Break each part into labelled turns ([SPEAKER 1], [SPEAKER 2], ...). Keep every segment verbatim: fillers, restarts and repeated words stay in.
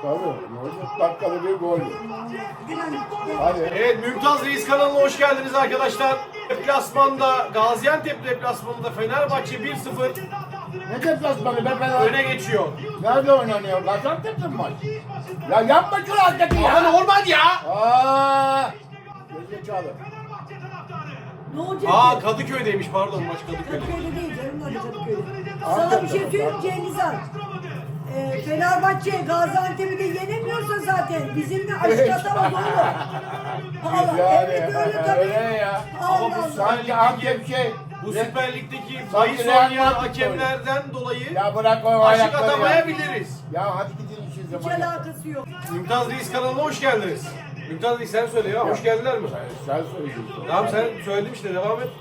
[SPEAKER 1] Tabii. Ne olacak? Dakikalı bir gol. Hadi.
[SPEAKER 2] Evet, Mümtaz Reis kanalına hoş geldiniz arkadaşlar. Deplasmanda, Gaziantep deplasmanında Fenerbahçe bir sıfır
[SPEAKER 1] Ne deplasmanı be Fener?
[SPEAKER 2] öne geçiyor.
[SPEAKER 1] Nerede oynanıyor? Gaziantep'te mi maç? Ya yapma şu hareketi ya.
[SPEAKER 2] Ama normal ya.
[SPEAKER 1] Aaa. Gerizekalı.
[SPEAKER 3] Ne olacak?
[SPEAKER 2] Aa,
[SPEAKER 3] ki?
[SPEAKER 2] Kadıköy'deymiş, pardon, maç Kadıköy'de.
[SPEAKER 3] Kadıköy'de değil canım, hadi Kadıköy'de. Sana bir şey söyleyeyim Cengiz Han. Ee, Fenerbahçe Gaziantep'i de yenemiyorsa zaten bizimle aşk atamaz oğlum. Allah,
[SPEAKER 1] Yani
[SPEAKER 3] evet öyle tabii.
[SPEAKER 1] öyle ya.
[SPEAKER 2] Ama
[SPEAKER 3] Allah
[SPEAKER 2] bu
[SPEAKER 3] Allah.
[SPEAKER 1] Sanki Antep şey.
[SPEAKER 2] Bu Süper Lig'deki
[SPEAKER 1] Sanki
[SPEAKER 2] bahis
[SPEAKER 1] Real
[SPEAKER 2] oynayan
[SPEAKER 1] Madrid
[SPEAKER 2] hakemlerden dolayı
[SPEAKER 1] Ya bırak o
[SPEAKER 2] aşık
[SPEAKER 1] ayakları ya.
[SPEAKER 2] atamayabiliriz.
[SPEAKER 1] Ya hadi gidin işin
[SPEAKER 3] Hiç
[SPEAKER 1] zamanı.
[SPEAKER 3] alakası yok.
[SPEAKER 2] Mümtaz Reis kanalına hoş geldiniz. Mümtaz Reis sen söyle ya, hoş geldiler mi?
[SPEAKER 1] Sen söyleyeceksin.
[SPEAKER 2] Tamam, sen söyledin işte, devam et.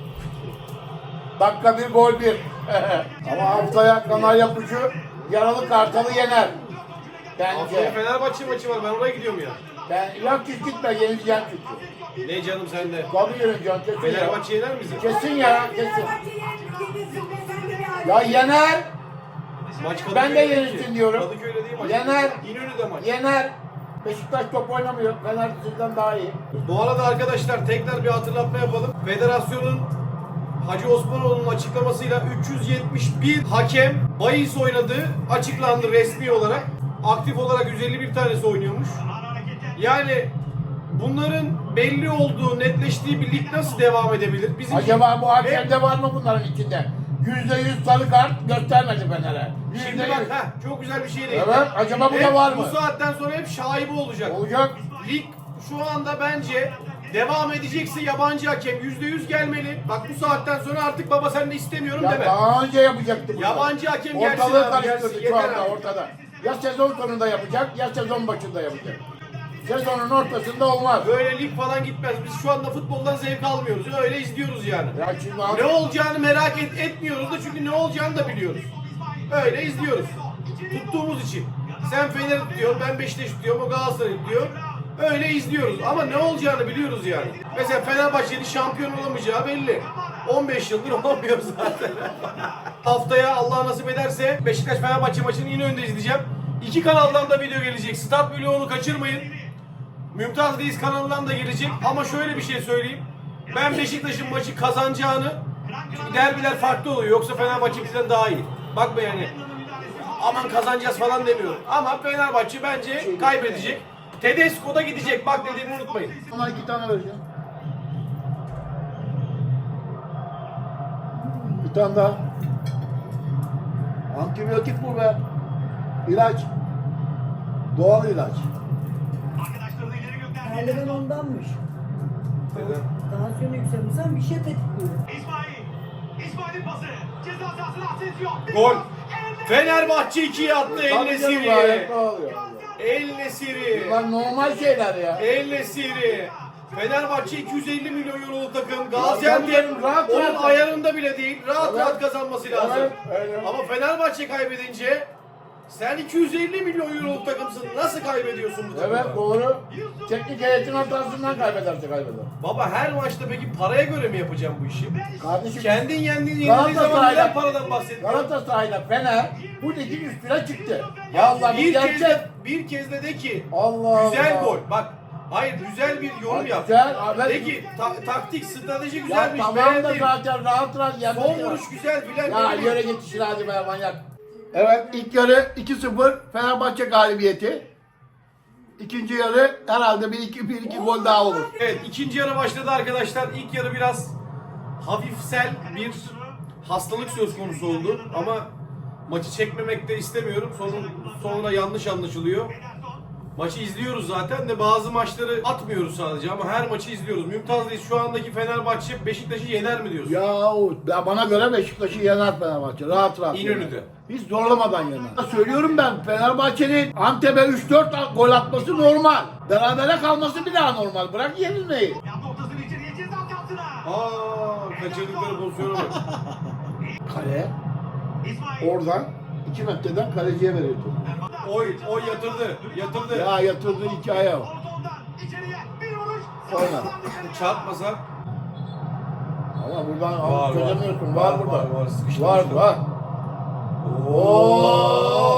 [SPEAKER 1] Dakika bir gol bir. Ama haftaya Kanarya Kuşu yaralı Kartal'ı yener.
[SPEAKER 2] Haftaya
[SPEAKER 1] Bence.
[SPEAKER 2] Fenerbahçe maçı var, ben oraya gidiyorum ya.
[SPEAKER 1] Ben yok hiç gitme yenileceğim çünkü.
[SPEAKER 2] Ne canım sen de.
[SPEAKER 1] Tabii yenileceğim kesin ya.
[SPEAKER 2] Fenerbahçe yener bizi.
[SPEAKER 1] Kesin ya kesin.
[SPEAKER 3] Fenerbahçe yenilsin be sen de bir
[SPEAKER 1] Ya yener.
[SPEAKER 2] Maç Kadıköy'de
[SPEAKER 1] Ben de
[SPEAKER 2] değil
[SPEAKER 1] yenilsin
[SPEAKER 2] ki.
[SPEAKER 1] diyorum.
[SPEAKER 2] Kadıköy'de değil maç.
[SPEAKER 1] Yener.
[SPEAKER 2] İnönü'de maç.
[SPEAKER 1] Yener. Beşiktaş top oynamıyor. Fener sizden daha iyi.
[SPEAKER 2] Bu arada arkadaşlar tekrar bir hatırlatma yapalım. Federasyonun Hacı Osmanoğlu'nun açıklamasıyla üç yüz yetmiş bir hakem bahis oynadığı açıklandı resmi olarak. Aktif olarak yüz elli bir tanesi oynuyormuş. Yani bunların belli olduğu, netleştiği bir lig nasıl devam edebilir? Bizim
[SPEAKER 1] Acaba bu hakemde var mı bunların içinde? Yüzde yüz sarı kart göstermedi Fener'e.
[SPEAKER 2] Şimdi
[SPEAKER 1] Yüzde
[SPEAKER 2] bak,
[SPEAKER 1] yüz.
[SPEAKER 2] heh, çok güzel bir şey değil.
[SPEAKER 1] Evet, acaba bu da
[SPEAKER 2] Hep
[SPEAKER 1] var mı?
[SPEAKER 2] Bu saatten sonra hep şaibe olacak.
[SPEAKER 1] Olacak.
[SPEAKER 2] Lig şu anda bence devam edecekse yabancı hakem yüzde yüz gelmeli. Bak bu saatten sonra artık baba sen de istemiyorum
[SPEAKER 1] Ya
[SPEAKER 2] deme.
[SPEAKER 1] daha önce yapacaktı bunu.
[SPEAKER 2] Yabancı hakem gelsin
[SPEAKER 1] Ortalığı
[SPEAKER 2] abi,
[SPEAKER 1] karıştırdı
[SPEAKER 2] gelsin,
[SPEAKER 1] şu
[SPEAKER 2] yeter
[SPEAKER 1] anda
[SPEAKER 2] abi.
[SPEAKER 1] ortada. Ya sezon sonunda yapacak ya sezon başında yapacak. Sezonun ortasında olmaz.
[SPEAKER 2] Böyle lig falan gitmez. Biz şu anda futboldan zevk almıyoruz. Öyle izliyoruz yani.
[SPEAKER 1] Ya şimdi abi,
[SPEAKER 2] Ne olacağını merak et, etmiyoruz da çünkü ne olacağını da biliyoruz. Öyle izliyoruz. Tuttuğumuz için. Sen Fener tutuyorsun, ben Beşiktaş tutuyorum, o Galatasaray tutuyor. Öyle izliyoruz ama ne olacağını biliyoruz yani. Mesela Fenerbahçe'nin şampiyon olamayacağı belli. on beş yıldır olamıyor zaten. Haftaya Allah nasip ederse Beşiktaş Fenerbahçe maçını yine önde izleyeceğim. İki kanaldan da video gelecek. Stat Vlog'unu kaçırmayın. Mümtaz Reis kanalından da gelecek ama şöyle bir şey söyleyeyim. Ben Beşiktaş'ın maçı kazanacağını, çünkü derbiler farklı oluyor, yoksa Fenerbahçe bizden daha iyi. Bakma yani, aman kazanacağız falan demiyorum. Ama Fenerbahçe bence kaybedecek. Tedesco da gidecek, bak dediğimi unutmayın.
[SPEAKER 1] ona iki tane vereceğim. Bir tane daha. Antibiyotik bu be. İlaç. Doğal ilaç.
[SPEAKER 3] Terlemen ondanmış.
[SPEAKER 2] Neden?
[SPEAKER 3] Tansiyonu yükselmişsen bir şey tetikliyor.
[SPEAKER 4] İsmail. İsmail'in pası. Ceza sahasına Asensio.
[SPEAKER 2] Gol. Fenerbahçe ikiye attı, El
[SPEAKER 1] Tabii canım, gayet
[SPEAKER 2] Nesiri.
[SPEAKER 1] doğal ya.
[SPEAKER 2] El Nesiri.
[SPEAKER 1] Bunlar normal şeyler ya.
[SPEAKER 2] El Nesiri. Fenerbahçe iki yüz elli milyon euroluk takım.
[SPEAKER 1] tabii
[SPEAKER 2] Gaziantep
[SPEAKER 1] canım, rahat
[SPEAKER 2] onun
[SPEAKER 1] rahat.
[SPEAKER 2] ayarında bile değil. Rahat
[SPEAKER 1] Evet.
[SPEAKER 2] rahat kazanması lazım.
[SPEAKER 1] Evet, öyle.
[SPEAKER 2] Ama Fenerbahçe kaybedince sen iki yüz elli milyon euroluk takımsın. Nasıl kaybediyorsun bu takımı?
[SPEAKER 1] Evet doğru. Teknik heyetin hatasından kaybederse kaybeder.
[SPEAKER 2] Baba her maçta peki paraya göre mi yapacağım bu işi?
[SPEAKER 1] Kardeşim
[SPEAKER 2] Kendin yendin yenildiğin zaman
[SPEAKER 1] Galatasaray'la-
[SPEAKER 2] neden paradan bahsediyorsun?
[SPEAKER 1] Galatasaray'la Fener bu ligin üstüne çıktı. Ya Allah
[SPEAKER 2] Bir
[SPEAKER 1] bir
[SPEAKER 2] kez,
[SPEAKER 1] gerçek.
[SPEAKER 2] de, bir kez de de ki
[SPEAKER 1] Allah
[SPEAKER 2] güzel
[SPEAKER 1] Allah.
[SPEAKER 2] gol. Bak hayır, güzel bir yorum
[SPEAKER 1] Bak,
[SPEAKER 2] yap.
[SPEAKER 1] güzel, evet.
[SPEAKER 2] De ki ta- taktik, strateji
[SPEAKER 1] Ya
[SPEAKER 2] güzelmiş.
[SPEAKER 1] tamam da
[SPEAKER 2] beğendim.
[SPEAKER 1] zaten rahat rahat yenmek
[SPEAKER 2] Son
[SPEAKER 1] ya.
[SPEAKER 2] vuruş güzel filan.
[SPEAKER 1] Ya
[SPEAKER 2] dedim.
[SPEAKER 1] yere git işine hadi be manyak. Evet ilk yarı iki sıfır Fenerbahçe galibiyeti. İkinci yarı herhalde bir iki, bir iki gol daha olur.
[SPEAKER 2] Evet, ikinci yarı başladı arkadaşlar. İlk yarı biraz hafifsel bir hastalık söz konusu oldu ama maçı çekmemek de istemiyorum. Sonun, sonra yanlış anlaşılıyor. Maçı izliyoruz zaten de bazı maçları atmıyoruz sadece ama her maçı izliyoruz. Mümtaz Reis, şu andaki Fenerbahçe Beşiktaş'ı yener mi diyorsun?
[SPEAKER 1] Ya, o- ya bana göre Beşiktaş'ı yener Fenerbahçe. Rahat rahat.
[SPEAKER 2] İnönü'de.
[SPEAKER 1] yener. Hiç zorlamadan yener. Söylüyorum ben Fenerbahçe'nin Antep'e üç dört gol atması normal. Berabere kalması bir daha normal. Bırak yenilmeyi.
[SPEAKER 4] Yaptı ortasını içeriye ceza sahasına.
[SPEAKER 2] Aa, kaçırdıkları pozisyona bak.
[SPEAKER 1] Kale
[SPEAKER 4] İsmail.
[SPEAKER 1] oradan iki metreden kaleciye veriyordu.
[SPEAKER 2] Oy, oy yatırdı, yatırdı.
[SPEAKER 1] Ya yatırdığı hikaye o.
[SPEAKER 4] Ortadan içeriye bir vuruş.
[SPEAKER 1] Sonra.
[SPEAKER 2] Çarpmasa.
[SPEAKER 1] Ama buradan
[SPEAKER 2] Var,
[SPEAKER 1] çözemiyorsun.
[SPEAKER 2] var.
[SPEAKER 1] Var,
[SPEAKER 2] Var,
[SPEAKER 1] burada.
[SPEAKER 2] var, var. Sıkıştı,
[SPEAKER 1] Var,
[SPEAKER 2] sıkıştı.
[SPEAKER 1] var. Oo!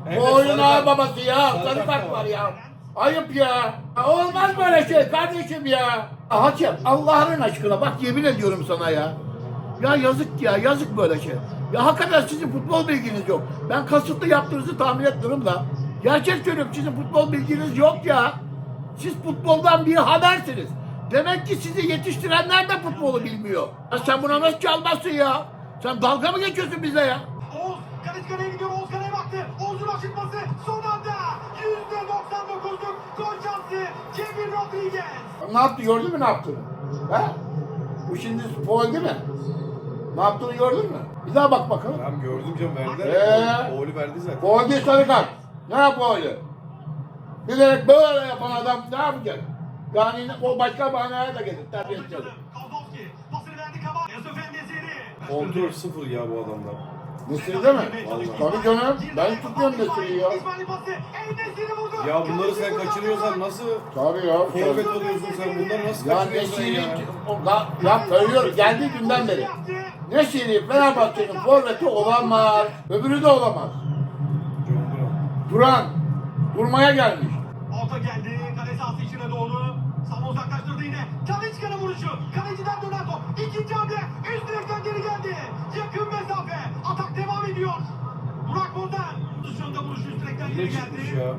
[SPEAKER 2] Evet,
[SPEAKER 1] Bu oyun
[SPEAKER 2] sarı
[SPEAKER 1] ağır
[SPEAKER 2] kart.
[SPEAKER 1] babası ya.
[SPEAKER 2] Sarı
[SPEAKER 1] Sarı
[SPEAKER 2] kart
[SPEAKER 1] kart
[SPEAKER 2] da
[SPEAKER 1] var
[SPEAKER 2] var.
[SPEAKER 1] ya. Ayıp ya. Olmaz böyle şey kardeşim ya. Hakem Allah'ın aşkına bak yemin ediyorum sana ya. Ya yazık ya yazık böyle şey. Ya hakikaten sizin futbol bilginiz yok. Ben kasıtlı yaptığınızı tahmin etmiyorum da. Gerçek söylüyorum sizin futbol bilginiz yok ya. Siz futboldan bir habersiniz. Demek ki sizi yetiştirenler de futbolu bilmiyor. Ya sen buna nasıl çalmazsın ya? Sen dalga mı geçiyorsun bize ya?
[SPEAKER 4] Oğuz Kaleci'ye gidiyor. Oğuz kaleye baktı. Oğuz'un aşırtması son anda. yüzde doksan dokuzluk gol şansı. Kevin Rodriguez.
[SPEAKER 1] Ne yaptı gördün mü ne yaptığını? Ha? Bu şimdi foul değil mi? Ne yaptığını gördün mü? Bir daha bak bakalım.
[SPEAKER 2] Tamam gördüm canım verdiler.
[SPEAKER 1] Ee?
[SPEAKER 2] Oğlu verdi zaten.
[SPEAKER 1] Foul değil sarı kart. Ne yap öyle? Bilerek böyle yapan adam ne yapacak? Yani o başka bahaneye de gelir. Terbiyesiz.
[SPEAKER 4] Kozlovski pasını verdi Kabak. Yusuf Endesiri.
[SPEAKER 2] Kontrol sıfır ya bu adamda.
[SPEAKER 1] Nesiri değil mi? Tabii canım. Ben tutuyorum Nesiri'yi ya.
[SPEAKER 4] İsmail'in pası. Endesiri vurdu.
[SPEAKER 2] Ya bunları sen
[SPEAKER 4] Kaleci
[SPEAKER 2] kaçırıyorsan
[SPEAKER 4] vurdu.
[SPEAKER 2] nasıl
[SPEAKER 1] Tabii ya.
[SPEAKER 2] forvet oluyorsun sen? Bunları nasıl
[SPEAKER 1] Ya
[SPEAKER 2] kaçırıyorsun
[SPEAKER 1] Nesiri,
[SPEAKER 2] ya?
[SPEAKER 1] ya, ya söylüyorum geldiği günden beri. Nesiri Fenerbahçe'nin forveti olamaz. Öbürü de olamaz.
[SPEAKER 2] John Brown.
[SPEAKER 1] Duran. Durmaya gelmiş.
[SPEAKER 4] Orta geldi. Kale sahası içine doğru. Sana uzaklaştırdı yine. Talisca'nın vuruşu. Kaleciden dönen top. İkinci hamle. Üst direkten geri geldi. Yakın mesafe. Atak devam ediyor. Burak Bozan. Dışında vuruşu üst direkten
[SPEAKER 2] Yine
[SPEAKER 4] geri
[SPEAKER 2] çıkmış
[SPEAKER 4] geldi.
[SPEAKER 2] ya.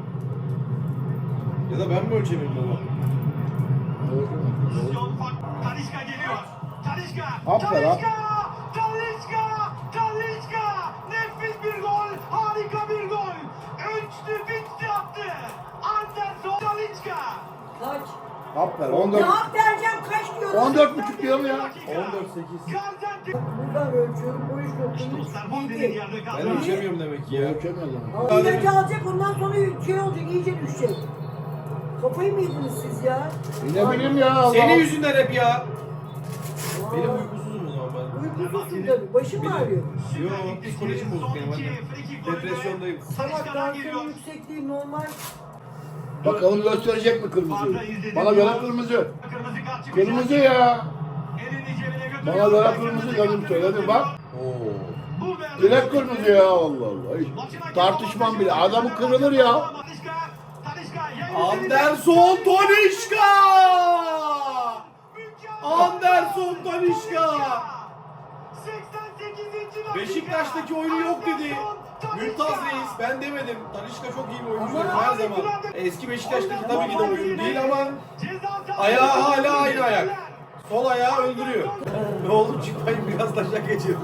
[SPEAKER 2] Ya da ben mi ölçemiyorum baba?
[SPEAKER 4] Pozisyon fark. Talisca geliyor. Talisca.
[SPEAKER 1] Aferin,
[SPEAKER 4] Talisca. Talisca. Talisca. Nefis bir gol. Harika bir gol. Üçlü bitti attı. Anderson Talisca.
[SPEAKER 3] Kaç?
[SPEAKER 1] Aferin.
[SPEAKER 3] Ne
[SPEAKER 1] on dört.
[SPEAKER 3] yap vereceğim kaç diyorum.
[SPEAKER 1] on dört buçuk diyorum ya.
[SPEAKER 2] on dört sekiz.
[SPEAKER 4] Gaziantep.
[SPEAKER 3] Buradan ölçüyorum. Bu iş noktanın
[SPEAKER 4] Dostlar bu dediğin yerde kaldı.
[SPEAKER 2] Ben ölçemiyorum demek ki ya.
[SPEAKER 1] Ölçemiyorum.
[SPEAKER 3] Ama ilacı alacak ondan sonra şey olacak iyice düşecek. Kafayı mı yediniz siz ya?
[SPEAKER 1] Ne bileyim ya Allah.
[SPEAKER 2] Senin yüzünden hep ya.
[SPEAKER 3] Aa,
[SPEAKER 2] Benim uykusuzum o zaman ben.
[SPEAKER 3] Uykusuzsun tabii. Başım mı ağrıyor?
[SPEAKER 2] Yo psikolojim bozuk benim hadi. Depresyondayım.
[SPEAKER 3] Salak tansiyon yüksekliği normal.
[SPEAKER 1] Bakalım gösterecek mi kırmızıyı? Bana göre kırmızı.
[SPEAKER 4] Kırmızı kart çıkacak.
[SPEAKER 1] Kırmızı ya.
[SPEAKER 4] Elini cebine götürüyor.
[SPEAKER 1] Bana göre kırmızı dedim söyledim bak.
[SPEAKER 2] Oo.
[SPEAKER 4] Burada
[SPEAKER 1] Direkt kırmızı ya Allah Allah. Hiç tartışmam bile. Adamı kırılır ya.
[SPEAKER 4] Talisca, Talisca, yayın
[SPEAKER 2] Anderson Talisca!
[SPEAKER 4] Mükemmel.
[SPEAKER 2] Anderson Talisca!
[SPEAKER 4] seksen sekizinci dakika.
[SPEAKER 2] Beşiktaş'taki oyunu yok dedi.
[SPEAKER 4] Anderson
[SPEAKER 2] Mümtaz
[SPEAKER 4] Talisca.
[SPEAKER 2] Reis ben demedim. Talisca çok iyi bir oyuncu
[SPEAKER 3] Ama
[SPEAKER 2] her zaman. Eski Beşiktaş'taki tabii ki de oyun değil ama
[SPEAKER 4] Ceza sahası.
[SPEAKER 2] ayağı hala aynı ayak. Sol ayağı öldürüyor. Ne oldu çıkmayın biraz taşak geçirdim.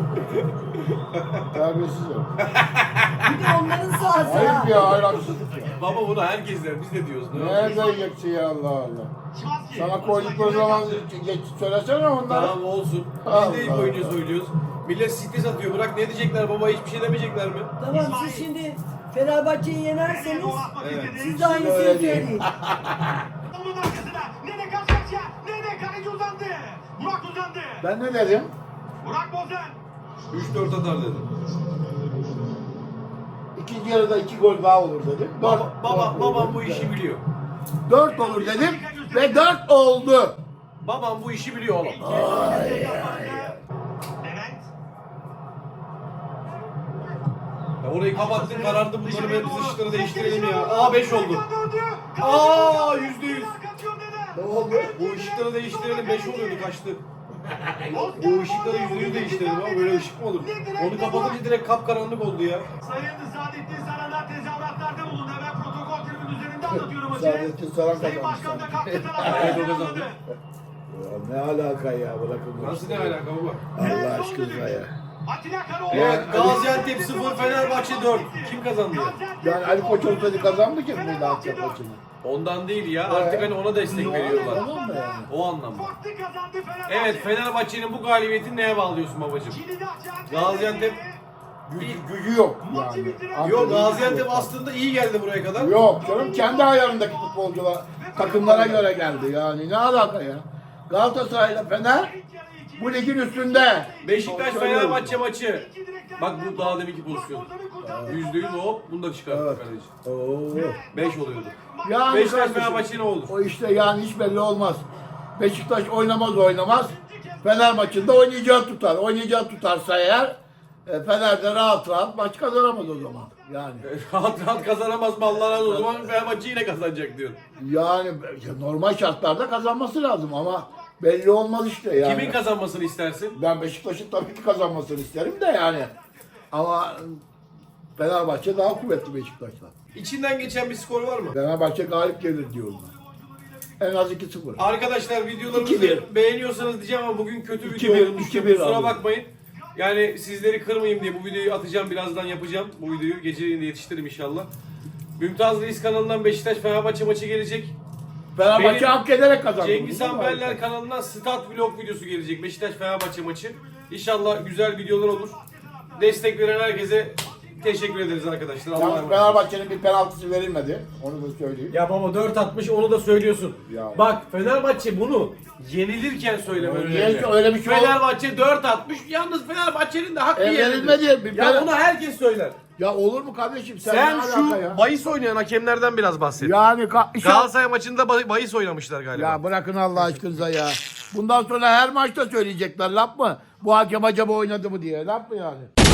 [SPEAKER 1] Terbiyesiz ya.
[SPEAKER 3] Bir de onların sahası ha.
[SPEAKER 1] Ayıp ya hayransızlık ya.
[SPEAKER 2] Baba bunu herkes der biz de diyoruz. Ne
[SPEAKER 1] Nerede
[SPEAKER 2] oldu?
[SPEAKER 1] yiyeceksin ya Allah Allah.
[SPEAKER 4] Şimanski.
[SPEAKER 1] Sana koydukları zaman geç söylesene onları.
[SPEAKER 2] Tamam olsun.
[SPEAKER 1] Allah
[SPEAKER 2] Biz de ilk oyuncu
[SPEAKER 1] Allah.
[SPEAKER 2] söylüyoruz. Millet stres atıyor. Bırak ne diyecekler baba hiçbir şey demeyecekler mi?
[SPEAKER 3] Tamam siz şimdi Fenerbahçe'yi yenerseniz
[SPEAKER 2] Evet.
[SPEAKER 3] siz de aynısını
[SPEAKER 1] Öyle değil.
[SPEAKER 3] söyleyin.
[SPEAKER 4] Onun arkasına. Nene karşı karşıya. Nene kaleci uzandı. Burak uzandı.
[SPEAKER 1] Ben ne dedim?
[SPEAKER 4] Burak Bozan.
[SPEAKER 2] üç dört atar dedi.
[SPEAKER 1] İkinci yarıda iki gol daha olur dedim. Dört,
[SPEAKER 2] Baba, baba,
[SPEAKER 1] dört
[SPEAKER 2] babam
[SPEAKER 1] olur
[SPEAKER 2] bu
[SPEAKER 1] dedim.
[SPEAKER 2] işi biliyor.
[SPEAKER 1] Dört olur dedim ve dört oldu.
[SPEAKER 2] Babam bu işi biliyor oğlum.
[SPEAKER 4] Levent.
[SPEAKER 2] Ya orayı kapattın karardı bunları ve biz ışıkları değiştirelim ya. Aa beş oldu. Aa,
[SPEAKER 4] Aa
[SPEAKER 2] yüzde yüz.
[SPEAKER 1] Ne oldu?
[SPEAKER 2] Bu ışıkları değiştirelim beş oluyordu kaçtı. Bu ışıkları yüzde yüz değiştirelim ama böyle ışık mı olur? Onu kapatınca direkt kapkaranlık oldu ya.
[SPEAKER 4] Sayın Saadettin Saranlar tezahüratlarda bulundu. Ben protokol tribünün üzerinde anlatıyorum maçı.
[SPEAKER 1] Saadettin Saran
[SPEAKER 4] Sayın
[SPEAKER 1] kazandı.
[SPEAKER 4] Başkan da kalktı
[SPEAKER 2] Evet,
[SPEAKER 4] taraftarı
[SPEAKER 2] o kazandı.
[SPEAKER 4] selamladı.
[SPEAKER 1] Ya ne alaka ya bırakın. bu
[SPEAKER 2] Nasıl ne
[SPEAKER 1] işleri.
[SPEAKER 2] alaka baba?
[SPEAKER 1] Allah aşkına ya.
[SPEAKER 4] Atilla Karaoğlu.
[SPEAKER 2] Evet Gaziantep sıfır Fenerbahçe dört. Kim kazandı?
[SPEAKER 1] Yani Ali Koç olsaydı kazandı ki mıydı Antep maçını?
[SPEAKER 2] Ondan değil ya artık hani ona destek veriyorlar.
[SPEAKER 1] Tamam mı yani?
[SPEAKER 2] O anlamda.
[SPEAKER 4] Farklı kazandı Fenerbahçe.
[SPEAKER 2] Evet Fenerbahçe'nin bu galibiyetini neye bağlıyorsun babacığım?
[SPEAKER 4] Kilidi açan
[SPEAKER 2] Gaziantep-
[SPEAKER 1] Gücü, gücü yok
[SPEAKER 4] Maçı
[SPEAKER 1] yani.
[SPEAKER 4] bitiren-
[SPEAKER 1] Antep'in
[SPEAKER 2] Yok
[SPEAKER 1] gücü
[SPEAKER 2] Gaziantep
[SPEAKER 1] yok.
[SPEAKER 2] aslında iyi geldi buraya kadar.
[SPEAKER 1] Yok canım kendi ayarındaki futbolcular takımlara göre geldi yani ne alaka ya. Galatasaray'la Fener bu ligin üstünde.
[SPEAKER 2] Beşiktaş
[SPEAKER 1] Söylüyorum.
[SPEAKER 2] Fenerbahçe maçı. Bak bu daha deminki pozisyon. Yüzde yüz hop bunu da çıkarttı
[SPEAKER 1] Evet.
[SPEAKER 2] kaleci.
[SPEAKER 1] Oo.
[SPEAKER 2] Beş oluyordu.
[SPEAKER 1] Yani
[SPEAKER 2] Beşiktaş
[SPEAKER 1] kardeşim,
[SPEAKER 2] Fenerbahçe ne olur?
[SPEAKER 1] o işte yani hiç belli olmaz. Beşiktaş oynamaz oynamaz. Fener maçında oynayacağı tutar. Oynayacağı tutarsa eğer E, Fener de rahat rahat maç kazanamaz o zaman. Yani.
[SPEAKER 2] Rahat rahat kazanamaz mı Allah razı olsun. O zaman Fenerbahçe yine kazanacak diyor.
[SPEAKER 1] Yani normal şartlarda kazanması lazım ama belli olmaz işte yani.
[SPEAKER 2] Kimin kazanmasını istersin?
[SPEAKER 1] Ben Beşiktaş'ın tabii ki kazanmasını isterim de yani. Ama Fenerbahçe daha kuvvetli Beşiktaş'tan.
[SPEAKER 2] İçinden geçen bir skor var mı?
[SPEAKER 1] Fenerbahçe galip gelir diyorlar. En az iki sıfır.
[SPEAKER 2] Arkadaşlar videolarımızı
[SPEAKER 1] iki bir.
[SPEAKER 2] beğeniyorsanız diyeceğim ama bugün kötü
[SPEAKER 1] iki
[SPEAKER 2] video
[SPEAKER 1] bir,
[SPEAKER 2] olmuş.
[SPEAKER 1] iki bir
[SPEAKER 2] Kusura
[SPEAKER 1] abi.
[SPEAKER 2] bakmayın. Yani sizleri kırmayayım diye bu videoyu atacağım. Birazdan yapacağım. Bu videoyu geceleyin de yetiştiririm inşallah. Mümtaz Reis kanalından Beşiktaş Fenerbahçe maçı gelecek.
[SPEAKER 1] Fenerbahçe
[SPEAKER 2] Benim-
[SPEAKER 1] hak ederek kazandı.
[SPEAKER 2] Cengiz
[SPEAKER 1] Değil mi?
[SPEAKER 2] Amberler kanalından Stat Vlog videosu gelecek. Beşiktaş Fenerbahçe maçı. İnşallah güzel videolar olur. Destek veren herkese teşekkür ederiz arkadaşlar. Allah'a
[SPEAKER 1] Yalnız
[SPEAKER 2] emanet olun.
[SPEAKER 1] Fenerbahçe'nin bir penaltısı verilmedi. Onu da söyleyeyim.
[SPEAKER 2] Ya baba dört atmış onu da söylüyorsun.
[SPEAKER 1] Ya.
[SPEAKER 2] Bak Fenerbahçe bunu yenilirken söylemen
[SPEAKER 1] Niye
[SPEAKER 2] önemli.
[SPEAKER 1] öyle bir şey ol-
[SPEAKER 2] Fenerbahçe dört atmış. Yalnız Fenerbahçe'nin de hakkı
[SPEAKER 1] E,
[SPEAKER 2] yenildi.
[SPEAKER 1] verilmedi. Bir
[SPEAKER 2] Ya
[SPEAKER 1] penal-
[SPEAKER 2] bunu herkes söyler.
[SPEAKER 1] Ya olur mu kardeşim? Sen,
[SPEAKER 2] Sen
[SPEAKER 1] ne
[SPEAKER 2] şu
[SPEAKER 1] alaka ya?
[SPEAKER 2] bahis oynayan hakemlerden biraz bahset.
[SPEAKER 1] Yani ka-
[SPEAKER 2] Galatasaray maçında bah- bahis oynamışlar galiba.
[SPEAKER 1] Ya bırakın Allah aşkınıza ya. Bundan sonra her maçta söyleyecekler laf mı? Bu hakem acaba oynadı mı diye. Laf mı yani?